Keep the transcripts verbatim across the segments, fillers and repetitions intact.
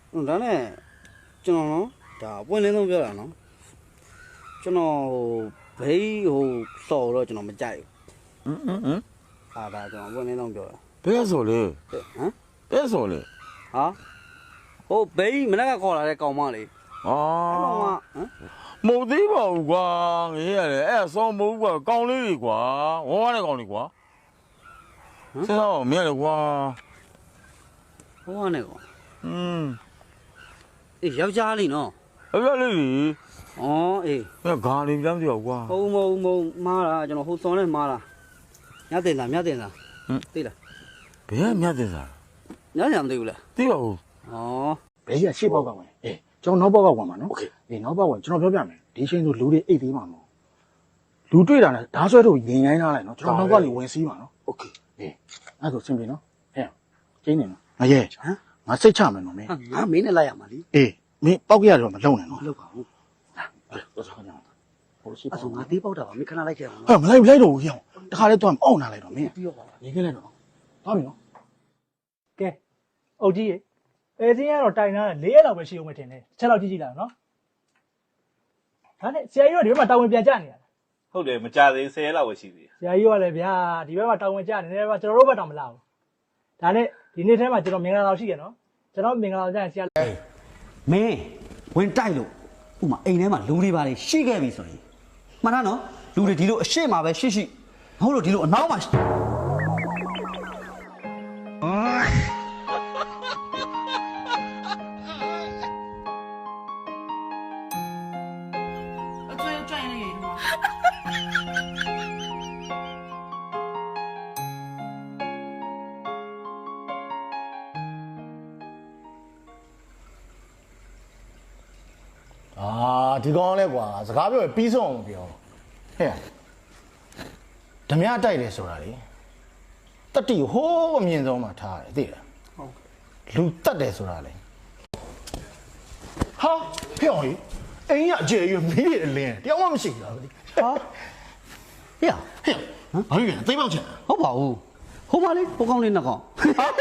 ဒါနဲ့ကျွန်တော်နော်ဒါပွင့်လင်းဆုံးပြောတာနော်ကျွန်တော်ဟိုဘေးဟိုစော်တော့ကျွန်တော်မကြိုက်ဘူးဟမ်ဟမ်ဟမ်အာဒါကျွန်တော်ပွင့်လင်းဆုံးပြောတာဘယ်ဆိုလဲဟမ်ဘယ်ဆိုလဲဟာဟိုဘေးမနေ့ကခေါ်လာတဲ့ကောင်မလေးအာကောင်မဟမ်မဟုတ်သေးပါဘူးကွာငေးရတယ်အဲ့ဆောင်းမဟုတ်ကွာကောင်းလေးတွေကွာဝဝနဲ့ကောင်းလေးကွာဆက်တော့မင်းလေကွာဝဝနဲ့ကောอืมအေးယောက်ျားလေးနော်အဲ့ဒါလေးကြီးဩအေးမင်းဂါလေးပြောင်းစီတော့ကွာဟုတ်မဟုတ်မဟုတ်မားတာကျွန်တော်ဟိုစော်နဲ့မားတာညတင်တာညတင်တာဟမ်သိလားဘယ်ကမြတ်တင်စားညညမသိဘူးလားသိပါဘူးဩဘယ်ကြီးကရှေ့ဘောက်ကဝင်အေးကျွန်တော်နောက်ဘောက်ကဝင်ပါနော်โอเคအေးနောက်ဘောက်ကဝင်ကျွန်တော်ပြောပြမယ်ဒီချိန်ဆိုလူတွေအိတ်သေးမှာမဟုတ်လူတွေ့တာနဲ့ဓာတ်ဆွဲတို့ရင်ရိုင်းထားလိုက်နော်ကျွန်တော်နောက်ကနေဝင်စီးပါနော်โอเคအေးအဲ့ဒါဆိုစင်ပြီနော်ဟဲ့ကျင်းနေနော်ငရဲဟမ်ငါစိတ်ချမယ်နော်မင်းငါမင်းနဲ့လိုက်ရမှာလी အေးမင်းပောက်ကြရတော့မလုံနဲ့နော်မလုပ်ပါဘူးဟာတော့ဆောင်းကြအောင်ဟိုရှိပါအဲ့ဆိုငါသေးပေါက်တာပါမင်းခဏလိုက်ခဲ့အောင်ဟဲ့မလိုက်လိုက်တော့ဘူးဟဲ့တခါလေးတော့အောင့်နာလိုက်တော့မင်းပြီးတော့ပါနေခဲ့လိုက်တော့သွားပြီနော်ကဲအုတ်ကြီးရေအဲစင်းကတော့တိုင်ထားတယ်၄ရက်လောက်ပဲရှိအောင်မထင်နဲ့ချက်လောက်ကြည့်ကြည့်လာနော်ဒါနဲ့ဆရာကြီးကဒီဘက်မှာတာဝန်ပြန်ကြနေရတာဟုတ်တယ်မကြသေးဆယ်ရက်လောက်ပဲရှိသေးတယ်ဆရာကြီးကလည်းဗျာဒီဘက်မှာတာဝန်ကြနေတယ်ဗျာကျွန်တော်တို့ဘက်တော့မလာဘူးဒါနဲ့ဒီနေ့ထဲမှာကျွန်တော်မင်္ဂလာတော်ရှိရနော်ကျွန်တော်မင်္ဂလာတော်ကြရင်ဆရာမင်းဝင်တိုက်လို့ဥမာအိမ်ထဲမှာလူတွေပါလေရှိခဲ့ပြီဆိုရင်မှန်တာနော်လူတွေဒီလိုအရှိမှာပဲရှိရှိမဟုတ်လို့ဒီလိုအနောက်မှာအာဒီကောင်လဲကွာစကားပြောရင်ပြီးဆုံးအောင်ပြောဟဲ့ဓမြတိုက်တယ်ဆိုတာလေတတိဟိုးအမြင့်ဆုံးမှာထားတယ်သိလားဟုတ်လူတက်တယ်ဆိုတာလေဟာဖျော်ကြီးအိမ်ကအကျယ်ကြီးမီးရလင်းတယောက်မှမရှိဘူးလားဟာဟေ့ဟဲ့ဟမ်ဘာလို့လဲသိပေါက်ချင်ဟုတ်ပါဘူးဟိုပါလေဟိုကောင်းလေးနှစ်ကောင်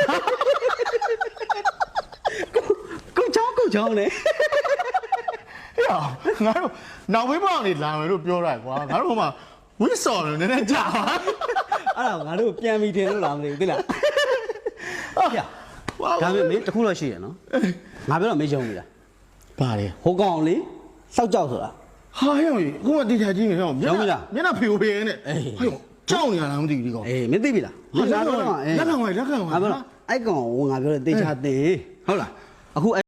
ကိုချောင်းကိုချောင်းလေဟဲ့ငါတို့နောက်ဘေးပေါက်နေလာမယ်လို့ပြောတာကွာငါတို့ဟိုမှာဝစ်စော်နေနည်းနည်းကြာပါအဲ့ဒါငါတို့ပြန်ပြီးထင်လို့လားမသိဘူးသိလားဟုတ်ပြဒါပေမဲ့မင်းတခုတော့ရှိရနော်ငါပြောတော့မင်းယုံပြီလားဘာလဲဟိုကောင်လေစောက်ကြောက်ဆိုတာဟာဟဲ့အခုမှတိကျကြီးနေတော့မျက်နှာမျက်နှာဖေဖေနဲ့ဟဲ့ကြောက်နေရလားမသိဘူးဒီကောင်အေးမင်းသိပြီလားလက်ခံပါလက်ခံပါငါပြောအဲ့ကောင်ဟိုငါပြောတဲ့တေချာတင်ဟုတ်လားအခု